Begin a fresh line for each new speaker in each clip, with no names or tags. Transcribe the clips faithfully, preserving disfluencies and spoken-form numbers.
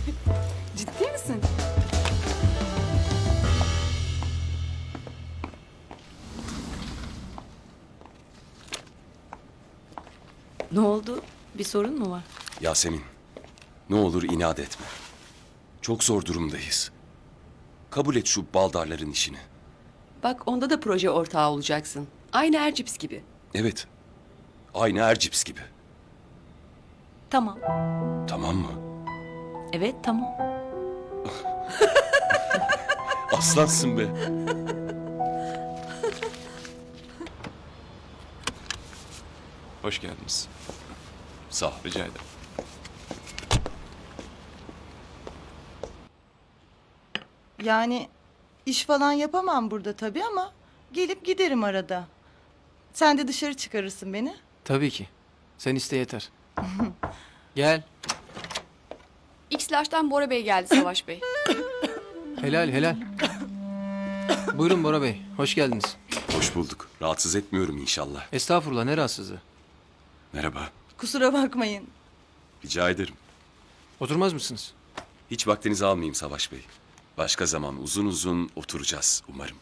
Ciddi misin? Ne oldu? Bir sorun mu var?
Yasemin, ne olur inat etme. Çok zor durumdayız. Kabul et şu baldarların işini.
Bak onda da proje ortağı olacaksın. Aynı Ercips gibi.
Evet, aynı Ercips gibi.
Tamam.
Tamam mı?
Evet tamam.
Aslansın be.
Hoş geldiniz.
Sağ ol.
Rica ederim.
Yani iş falan yapamam burada tabii ama gelip giderim arada. Sen de dışarı çıkarırsın beni.
Tabii ki. Sen iste yeter. Gel.
X-Large'dan Bora Bey geldi Savaş Bey.
Helal helal. Buyurun Bora Bey. Hoş geldiniz.
Hoş bulduk. Rahatsız etmiyorum inşallah.
Estağfurullah, ne rahatsızlığı.
Merhaba.
Kusura bakmayın.
Rica ederim.
Oturmaz mısınız?
Hiç vaktinizi almayayım Savaş Bey. Başka zaman uzun uzun oturacağız umarım.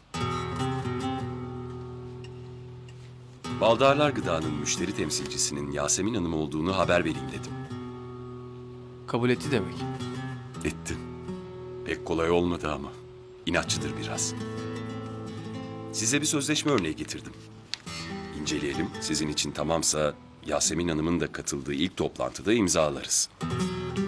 Baldarlar Gıda'nın müşteri temsilcisinin Yasemin Hanım olduğunu haber vereyim dedim.
Kabul etti demek.
Ettim. Pek kolay olmadı ama. İnatçıdır biraz. Size bir sözleşme örneği getirdim. İnceleyelim. Sizin için tamamsa Yasemin Hanım'ın da katıldığı ilk toplantıda imzalarız.